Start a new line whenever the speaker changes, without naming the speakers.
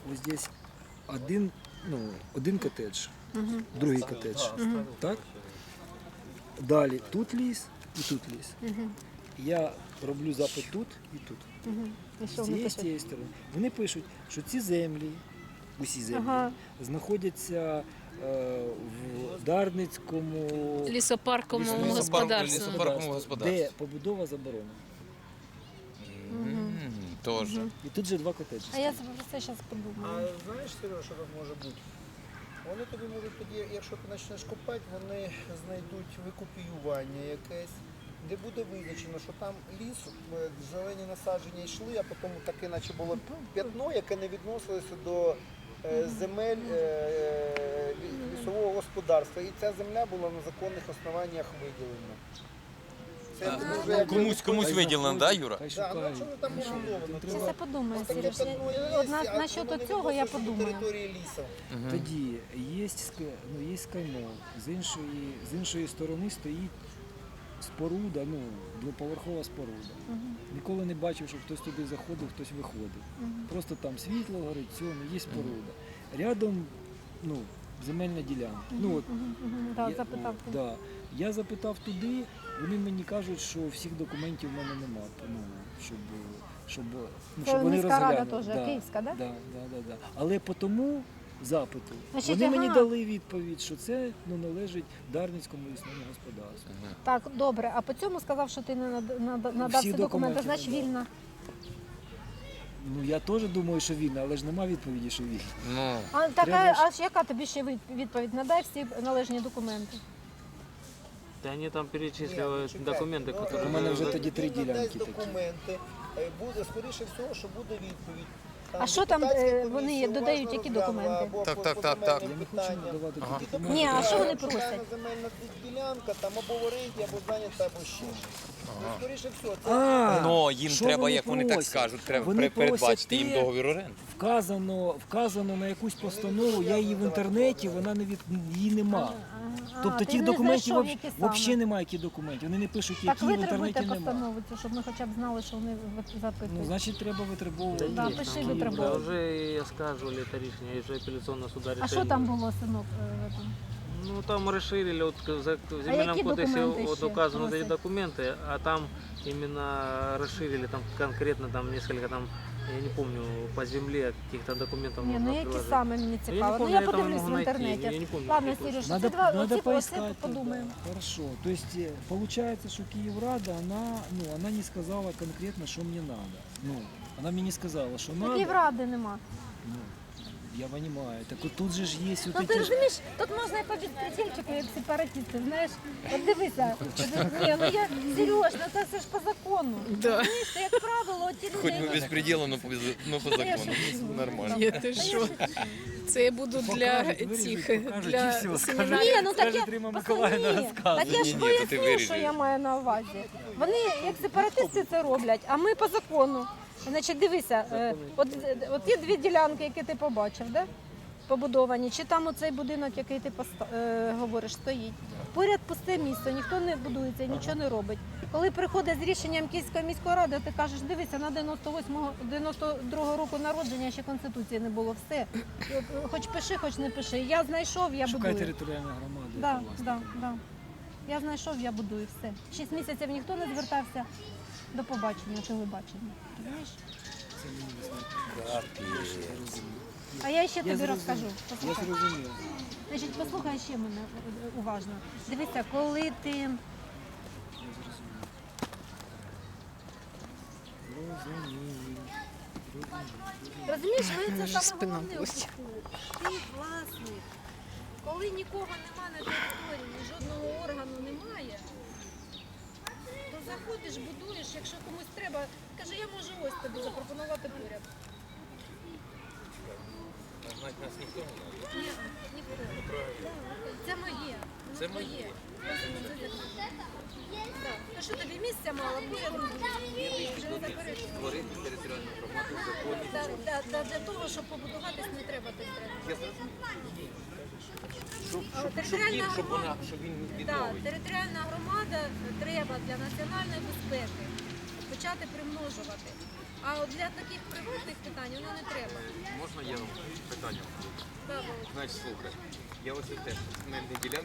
ось здесь один котедж, другий котедж. Так? Далі тут ліс і тут ліс. Я роблю запит тут і тут.
І що
З
вони
цієї, з
пишуть?
цієї сторони. Вони пишуть, що ці землі, усі землі, знаходяться в Дарницькому
Лісопарковому господарству.
Лісопарковому господарстві.
де побудова заборонена.
Тоже.
І тут же два котеджі.
А я про це зараз подумаю.
А знаєш, Сережа, що так може бути? Вони тобі можуть тоді, якщо ти почнеш копати, вони знайдуть викопіювання якесь, де буде визначено, що там ліс, зелені насадження йшли, а потім таке наче було п'ятно, яке не відносилося до земель лісового господарства. І ця земля була на законних основаннях виділена. Це дуже якби-
Комусь виділено, так, Юра?
Хай
Да, ну
шукають.
що там орендовано?
Зараз я подумаю,
Ось таке
Сереж.
п'ятно є,
От
а воно
насчет
не
цього я
відноситься до
подумаю.
території лісу.
Тоді є скаймол, з іншої сторони стоїть споруда, двоповерхова споруда. Ніколи не бачив, щоб хтось туди заходив, хтось виходив. Просто там світло горить, все, є споруда. Рядом земельна ділянка.
Так,
Я-
запитав.
Да. Я запитав туди, вони мені кажуть, що всіх документів в мене немає, щоб
Це
вони
міська рада
розглянули.
теж, київська, да?
Да. Але по тому запиту
Значить,
вони мені
ага.
дали відповідь, що це належить Дарницькому лісному господарству.
Так, добре. А по цьому сказав, що ти не надав
Всі
всі документи,
документи
значить
надав.
вільна.
Я теж думаю, що вільно, але ж нема відповіді, що вільно.
Ну,
А
Треба ж-
яка тобі ще відповідь? Надай всі належні документи.
Да они там перечисливают
Чекайте,
документы,
ну,
которые...
У мене вже тоді
він
3
надасть
ділянки такі.
документи, буде, скоріше всього, що буде відповідь.
А що там,
депутатська
вони
комісія
додають,
уважно
які
розглянула
документи?
або
Так,
по
так, так, так.
Я не хочу
питання.
надавати
Ага.
ті документи.
Ні, а що вони
Шукана
просять?
земельна ділянка, там або в оренді, або зайнята, або ще щось. Ну, скоріше всього, це
ну їм
що
треба,
вони
як вони так
просять?
скажуть, треба
Вони
передбачити
просять
їм
те,
договір оренди.
Вказано на якусь постанову, я її в інтернеті, її нема. Тобто
ти
тих
не
документів
знайшов, які саме?
взагалі немає, які документи. Вони не пишуть,
Так
які в
витребуйте
інтернеті немає.
постанову цю, щоб ми хоча б знали, що вони запитують.
Значить, треба витребовувати.
Да,
Есть,
пиши
там
витребовывай.
уже оскаживали это решение, уже апелляционного суда решение.
А що там було, синок, в этом?
Ну там расширили, вот в Земельном
які
кодексе
документи
вот
ще
указаны вот эти
просять?
документы, а там именно расширили, там конкретно там несколько там, я не помню, по земле каких-то документов
Ні,
можно
ну які
приложить.
саме мені
Я не
цікаво. Ну
помню,
я
я там
подивлюсь
могу
в
найти,
інтернеті.
я не помню,
Ладно,
какие
Сереж,
Надо,
оце
поискать.
подумаємо.
Хорошо. То есть получается, что Киеврада, она не сказала конкретно, что мне надо. Она мне не сказала, что надо.
Київради нема.
Я понимаю. Так вот тут же ж есть вот
Ну ти
эти...
розумієш, тут можна і по безпредельчику, як сепаратисти, знаєш. От дивися, ні, ну я, Сереж, ну це все ж по закону. Розумієш, це, як правило, ті люди,
Хоч би
які...
безпреділу, но по закону. Нормально.
Ні, ти що? Це я буду для
Покажуть,
цих,
виріжуть, покажуть, і
для
все, скажуть.
семінарів.
Ні, ну так я,
Скажіть, Рима Миколаївна
Ні,
розказує.
так я ж
Ні, то ти
поясню, що
виріжеш.
я маю на увазі. Вони, як сепаратисти, це роблять, а ми по закону. Значить, дивися, от є дві ділянки, які ти побачив, да? Побудовані, чи там оцей будинок, який ти говориш, стоїть. Поряд пусте місце, ніхто не будується, нічого не робить. Коли приходить з рішенням Київської міської ради, ти кажеш, дивися, на 92-го року народження ще Конституції не було, все. Хоч пиши, хоч не пиши. Я знайшов, я
Шукай
будую.
територіальну громаду.
Да,
яка власна.
да. Я знайшов, я будую, все. 6 місяців ніхто не звертався. До побачення, телебачення. Розумієш?
Це мені не знати.
А я ще
Я
тобі
зрозумів.
розкажу.
Я
Послухай.
зрозумів.
Значить, послухай ще мене уважно. Дивися, коли ти розумієш, ви це
Вже
саме
спина
головне
болить.
Ти власник. Коли нікого нема на території, жодного органу немає, то заходиш, будуєш, якщо комусь треба, каже, я можу ось тобі запропонувати поряд.
Знать нас ніхто не знає.
Ні, ніхто. Це моє.
Це
Воно
моє.
Так. А що тобі місця мало? Поряд будуєш. Вже не заперечуєш.
Створити територіальну громаду в законі.
Для того, щоб побудуватись, не треба територіальну.
Я зрозумів. Щоб він
Так,
відновить.
територіальна громада треба для національної безпеки почати примножувати. А от для таких приватних питань воно не треба.
Можна Можна я питання? Значить, слухай, я ось теж земельні ділянки